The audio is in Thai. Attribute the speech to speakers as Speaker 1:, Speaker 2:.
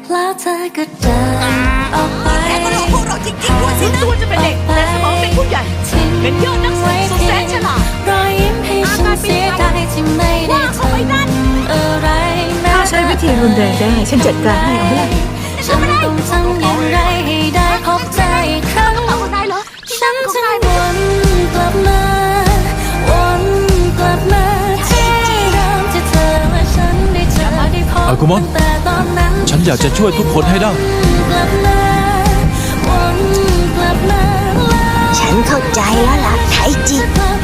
Speaker 1: แล้วเธอก็เดินออกไป
Speaker 2: แกก็หลอกพวกเราจริงๆด้วยสินะ
Speaker 3: ตัวจะเป็นเด็กแต่สมองเป็นผู้ใหญ่เป็นยอดนักสืบสุดแสนฉลาด
Speaker 1: รอยยิ้มให้ฉันเสียดายที่ไม่ได้ทำอะไร
Speaker 4: ถ้าใช้วิธีรุนแรงได้ฉันจัดการให้เอาไหมล่ะ
Speaker 1: ฉันต้องทำอย่างไรให้ได้พบเธออีกครั้ง
Speaker 3: เอาคนนายเหรอ
Speaker 1: ฉันจะวนกลับมาวนกลับมาที่เดิมที่เธอและฉันได้เจอได้พบ
Speaker 5: อากุมอน
Speaker 1: แต่ตอนนั้น
Speaker 5: ฉันอยากจะช่วยทุกคนให้ได้
Speaker 1: กลับมาวนกลับมา
Speaker 2: ฉันเข้าใจแล้วล่ะไทจิ
Speaker 1: แล้ว